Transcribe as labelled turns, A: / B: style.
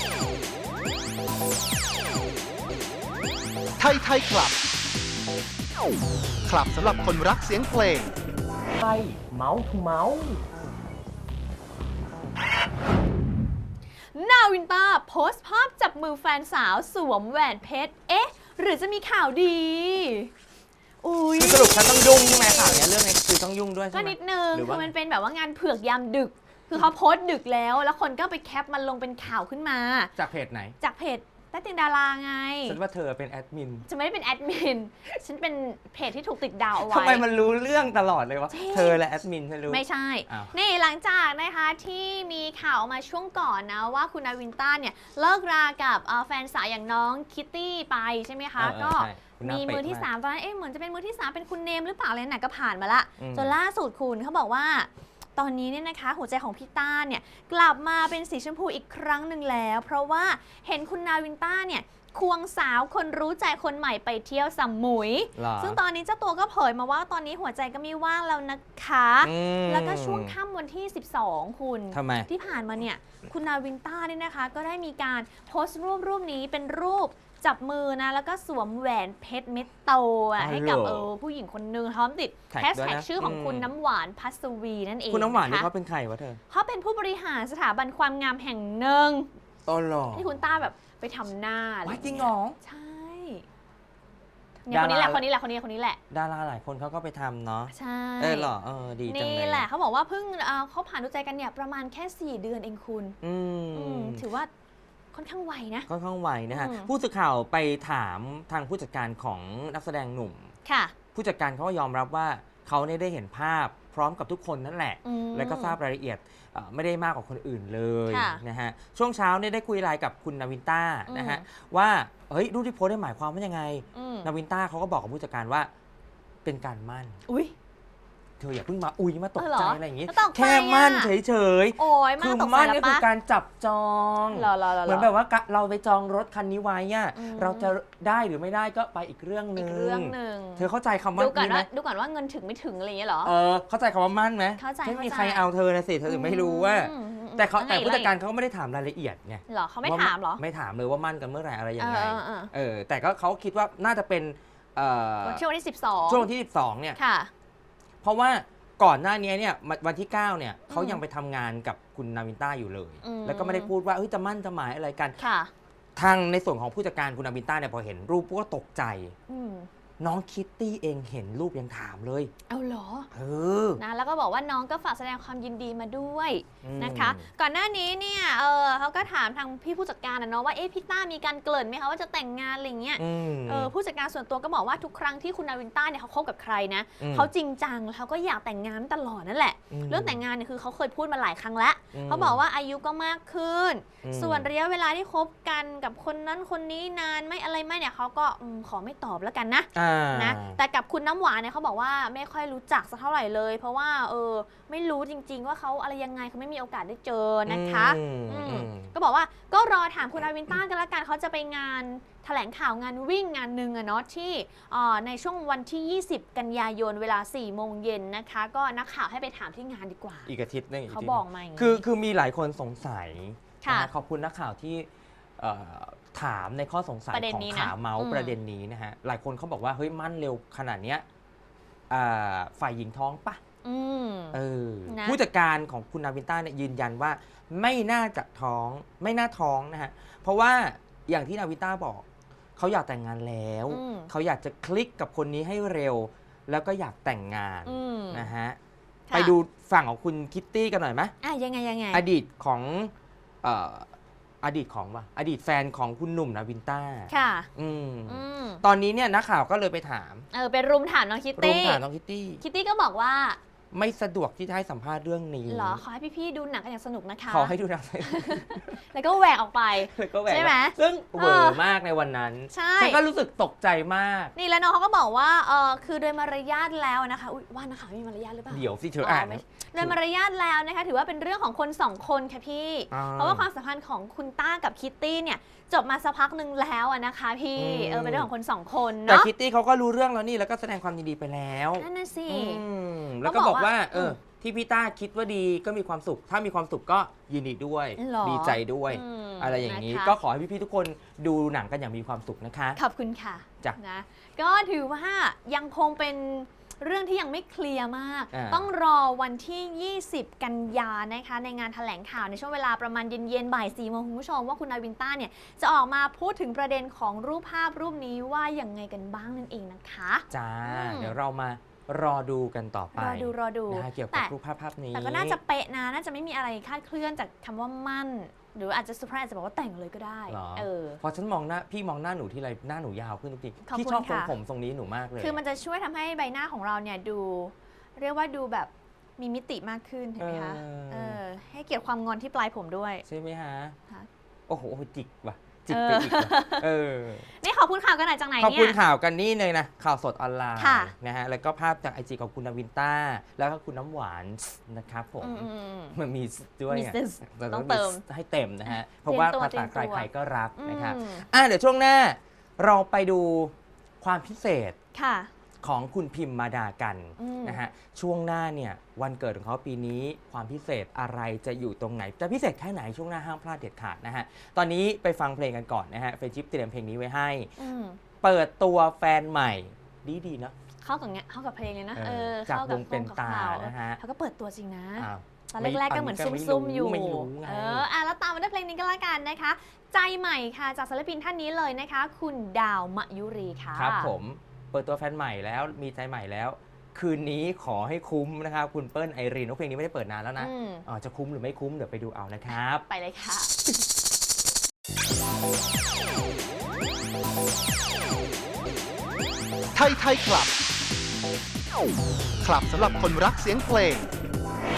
A: ไทยไทยคลับ คลับสำหรับคนรักเสียงเพลง
B: ไทยเมาส์ทูเมาส์
C: นาวินต้าโพสต์ภาพจับมือแฟนสาวสวมแหวนเพชร เอ๊ะ หรือจะมีข่าวดี อุ้ย
B: สรุปฉันต้องยุ่งใช่ไหมข่าวนี้เรื่องนี้คือต้องยุ่งด้วยใช่ไหม
C: ก็นิดนึง
B: คือ
C: มันเป็นแบบว่างานเผือกยามดึก คือเขาโพสต์ดึกแล้วคนก็ไปแคปมันลงเป็นข่าวขึ้นมา
B: จากเพจไหน
C: จากเพจใต้เตียงดาราไง
B: ฉันว่าเธอเป็นแอดมิน
C: จะไม่ได้เป็นแอดมิน ฉันเป็นเพจที่ถูกติดดาวเอาไว้
B: ทำไมมันรู้เรื่องตลอดเลยวะเธอและแอดมินฉันรู้
C: ไม่ใช่
B: อ้าว
C: นี่หลังจากนะคะที่มีข่าวมาช่วงก่อนนะว่าคุณนาวินต้าเนี่ยเลิกรากับแฟนสาวอย่างน้องคิตตี้ไปใช่ไหมคะ ก็มีมือที่ 3 ตอนนั้นเหมือนจะเป็นมือที่ 3 เป็นคุณเนมหรือเปล่าอะไรน่ะก็ผ่านมาละจนล่าสุดคุณเขาบอกว่าตอนนี้เนี่ยนะคะหัวใจของพี่ต้าเนี่ยกลับมาเป็นสีชมพูอีกครั้งหนึ่งแล้ว เพราะว่าเห็นคุณนาวินต้าเนี่ยควงสาวคนรู้ใจคนใหม่ไปเที่ยวสมุย ซึ่งตอนนี้เจ้าตัวก็เผยมาว่าตอนนี้หัวใจก็ไม่ว่างแล้วนะคะแล้วก็ช่วงค่ำวันที่ 12 คุณที่ผ่านมาเนี่ยคุณนาวินต้าเนี่ยนะคะก็ได้มีการโพสต์รูปนี้เป็นรูปจับมือนะแล้วก็สวมแหวนเพชรเม็ดโตให้กับผู้หญิงคนนึงพร้อมติดแฮชแท็กชื่อของคุณน้ำหวานพัสวีนั่นเอง
B: คุณน้ำหวานนี่เขาเป็นใครวะเธอ
C: เขาเป็นผู้บริหารสถาบันความงามแห่งหนึ่งที่คุณต้าแบบไปทำหน้า
B: จริงเหรอ
C: ใช่เนี่ยคนนี้แหละคนนี้แหละ
B: ดาราหลายคนเขาก็ไปทำเนาะ
C: ใช่
B: เหรอดีจังเลย
C: นี่แหละเขาบอกว่าเพิ่งเขาผ่านดูใจกันเนี่ยประมาณแค่4 เดือนเองคุณถือว่าค่อนข้างไวนะ
B: ค่อนข้างไวนะฮะผู้สื่อข่าวไปถามทางผู้จัดการของนักแสดงหนุ่ม
C: ค่ะ
B: ผู้จัดการเขาก็ยอมรับว่าเขาได้เห็นภาพพร้อมกับทุกคนนั่นแหละแล้วก็ทราบรายละเอียดไม่ได้มากกว่าคนอื่นเลยนะฮะช่วงเช้าได้คุยไลน์กับคุณนาวินต้านะฮะว่าเฮ้ยรูปที่โพสต์ได้หมายความว่ายังไงนาวินต้าเขาก็บอกกับผู้จัดการว่าเป็นการมั่นเธออย่าเพิ่งมามาตกใจอะไรอย่างงี้แค่มั่นเฉยๆคือมั่นก็คือการจับจองเหมือนแบบว่าเราไปจองรถคันนี้ไว้เราจะได้หรือไม่ได้ก็ไปอีกเรื่องนึงเธอเข้าใจคำว่านี้ไหม
C: ดูก่อนว่าเงินถึงไม่ถึงอะไรอย่างเงี้ยหรอ
B: เข้าใจคำว่ามั่นไหมไม่มีใครเอาเธอนะสิเธอถึงไม่รู้ว่าแต่ผู้จัดการเขาก็ไม่ได้ถามรายละเอียดไง
C: หรอเขาไม่ถามหรอ
B: ไม่ถามเลยว่ามั่นกันเมื่อไหร่อะไรยังไงแต่ก็เขาคิดว่าน่าจะเป็น
C: ช่วงที่12
B: ช่วงที่12เนี่ยเพราะว่าก่อนหน้านี้เนี่ยวันที่9เนี่ยเขายังไปทำงานกับคุณนาวินต้าอยู่เลยแล้วก็ไม่ได้พูดว่าจะมั่นจะหมายอะไรกันทางในส่วนของผู้จัดการคุณนาวินต้าเนี่ยพอเห็นรูปก็ตกใจน้องคิตตี้เองเห็นรูปยังถามเลย
C: เอาเหรอนะแล้วก็บอกว่าน้องก็ฝากแสดงความยินดีมาด้วยนะคะก่อนหน้านี้เนี่ยเขาก็ถามทางพี่ผู้จัดการนะเนาะว่าพี่ต้ามีการเกริ่นไหมคะว่าจะแต่งงานอะไรเงี้ยผู้จัดการส่วนตัวก็บอกว่าทุกครั้งที่คุณนาวินต้าเนี่ยเขาคบกับใครนะเขาจริงจังแล้วเขาก็อยากแต่งงานตลอดนั่นแหละเรื่องแต่งงานเนี่ยคือเขาเคยพูดมาหลายครั้งแล้วเขาบอกว่าอายุก็มากขึ้นส่วนระยะเวลาที่คบกันกับคนนั้นคนนี้นานไม่อะไรไม่เนี่ยเขาก็ขอไม่ตอบแล้วกันนะแต่กับคุณน้ำหวานเนี่ยเขาบอกว่าไม่ค่อยรู้จักสักเท่าไหร่เลยเพราะว่าไม่รู้จริงๆว่าเขาอะไรยังไงเขาไม่มีโอกาสได้เจอนะคะก็บอกว่าก็รอถามคุณนาวินต้ากันละกันเขาจะไปงานแถลงข่าวงานวิ่งงานหนึ่งเนาะที่ในช่วงวันที่ 20 กันยายนเวลา 4 โมงเย็นนะคะก็นักข่าวให้ไปถามที่งานดีกว่า
B: อีกอาทิตย์นึง
C: เขาบอกมา
B: คือมีหลายคนสงสัยขอบคุณนักข่าวที่ถามในข้อสงสัยของข่าวเมาส์ประเด็นนี้นะฮะหลายคนเขาบอกว่าเฮ้ยมั่นเร็วขนาดเนี้ยฝ่ายหญิงท้องปะผู้จัดการของคุณนาวินต้าเนี่ยยืนยันว่าไม่น่าจะท้องไม่น่าท้องนะฮะเพราะว่าอย่างที่นาวินต้าบอกเขาอยากแต่งงานแล้วเขาอยากจะคลิกกับคนนี้ให้เร็วแล้วก็อยากแต่งงานนะฮะไปดูฝั่งของคุณคิตตี้กันหน่อยไหม
C: ยังไง
B: อดีตของอดีตแฟนของคุณหนุ่มนาวินต้า
C: ค่ะ
B: ตอนนี้เนี่ยนักข่าวก็เลยไปถาม
C: ไปรุมถามน้องคิตตี้
B: คิ
C: ตตี้ก็บอกว่า
B: ไม่สะดวกที่จะให้สัมภาษณ์เรื่องนี้
C: เหรอขอให้พี่ๆดูหนังกันอย่างสนุกนะคะ
B: ขอให้ดูหนัง
C: แล้วก็แหวกออกไปใช่ไหม
B: ซึ่งเวอร์มากในวันนั้นฉันก็รู้สึกตกใจมาก
C: นี่แล้วน้องเขาก็บอกว่าคือโดยมารยาทแล้วนะคะว่านะคะมีมารยาทหรือเปล่า
B: เดี๋ยวสิเธออ่าน
C: โดยมารยาทแล้วนะคะถือว่าเป็นเรื่องของคน2 คนค่ะพี่เพราะว่าความสัมพันธ์ของคุณต้ากับคิตตี้เนี่ยจบมาสักพักหนึ่งแล้วนะคะพี่เป็นเรื่องของคน2 คนเนาะ
B: แต่คิตตี้เขาก็รู้เรื่องแล้วนี่แล้วก็แสดงความยินดีไปแล้ว
C: นั่นน่ะสิ
B: แล้วก็บอกว่าที่พี่ต้าคิดว่าดีก็มีความสุขถ้ามีความสุขก็ยินดีด้วยดีใจด้วยอะไรอย่างนี้
C: นะคะ
B: ก็ขอให้พี่ๆทุกคนดูหนังกันอย่างมีความสุขนะคะ
C: ขอบคุณค่ะ
B: จ้ะ
C: นะก็ถือว่ายังคงเป็นเรื่องที่ยังไม่เคลียร์มาก
B: อ่า
C: ต้องรอวันที่ 20 กันยานะคะในงานแถลงข่าวในช่วงเวลาประมาณเย็นๆบ่าย 4 โมงคุณผู้ชมว่าคุณนาวินต้าเนี่ยจะออกมาพูดถึงประเด็นของรูปภาพรูปนี้ว่าอย่างไงกันบ้างนั่นเองนะคะ
B: จ้า
C: อืม
B: เดี๋ยวเรามารอดูกันต่อไป
C: รอดู
B: นะคะเกี่ยวกับรูปภาพนี้
C: แต่ก็น่าจะเป๊ะนะน่าจะไม่มีอะไรคลาดเคลื่อนจากคำว่ามั่น หรืออาจจะเซอร์ไพรส์อาจจะบอกว่าแต่งเลยก็ได้
B: หรอ
C: เออ
B: พอฉันมองหน้าพี่มองหน้าหนูทีไรหน้าหนูยาวขึ้นทุกที
C: ขอบคุณ
B: พี่ชอบทรง
C: ค่ะ
B: ผมทรงนี้หนูมากเลย
C: คือมันจะช่วยทำให้ใบหน้าของเราเนี่ยดู เรียกว่าดูแบบมีมิติมากขึ้นเห็นไหมคะ
B: เออ
C: ให้เกียรติความงอนที่ปลายผมด้วย
B: ใช่ไหมฮะ
C: ค่ะ
B: โอ้โหจิกว่ะจิกไปอีกว่ะเออ
C: นี่ขอบคุณข่าวกันหน่อยจากไหน
B: ขอบ
C: เนี่
B: คุณ
C: ย
B: ข่าวกันนี่เลยนะข่าวสดออนไลน์
C: ค่ะ
B: นะฮะแล้วก็ภาพจากไอจีของคุณนาวินต้าแล้วก็คุณน้ำหวานนะครับผม
C: อืม
B: มันมีด้วย
C: มี
B: ไง
C: sis
B: แต่
C: ต้องเติม
B: ให้เต็มนะฮะเพราะว่า
C: เตรียมตัว
B: ภาษา
C: เตรียมตัว
B: ใครๆก็รักนะครับ
C: อืม
B: เดี๋ยวช่วงหน้าเราไปดูความพิเศษ
C: ค่ะ
B: ของคุณพิมมาดากัน
C: อืม
B: นะฮะช่วงหน้าเนี่ยวันเกิดของเขาปีนี้ความพิเศษอะไรจะอยู่ตรงไหนจะพิเศษแค่ไหนช่วงหน้าห้ามพลาดเด็ดขาดนะฮะตอนนี้ไปฟังเพลงกันก่อนนะฮะเฟรนชิปเตรียมเพลงนี้ไว้ให้
C: อืม
B: เปิดตัวแฟนใหม่ดีๆเนาะ
C: เข้ากับเนี้ยเข้ากับเพลงเลยนะ
B: จาก
C: เข้าว กับ
B: งเป็นตา
C: ข่ว
B: นะฮะ
C: เขาก็เปิดตัวจริงนะ
B: อ้าว
C: ตอนแรกๆก็เหมือนซุ่มๆอยู่
B: ไม่รู้ไง
C: แล้วตามมาด้วยเพลงนี้ก็แล้วกันนะคะ ใจใหม่ค่ะจากศิลปินท่านนี้เลยนะคะ คุณดาวมะยุรีค่ะ
B: ครับผมเปิดตัวแฟนใหม่แล้วมีใจใหม่แล้ว คืนนี้ขอให้คุ้มนะครับคุณเปิ้ลไอรีนเพลงนี้ไม่ได้เปิดนานแล้วนะ
C: อืม
B: จะคุ้มหรือไม่คุ้มเดี๋ยวไปดูเอานะครับ
C: ไปเลยค่ะ
A: ไทยคลับ คลับสำหรับคนรักเสียงเพลง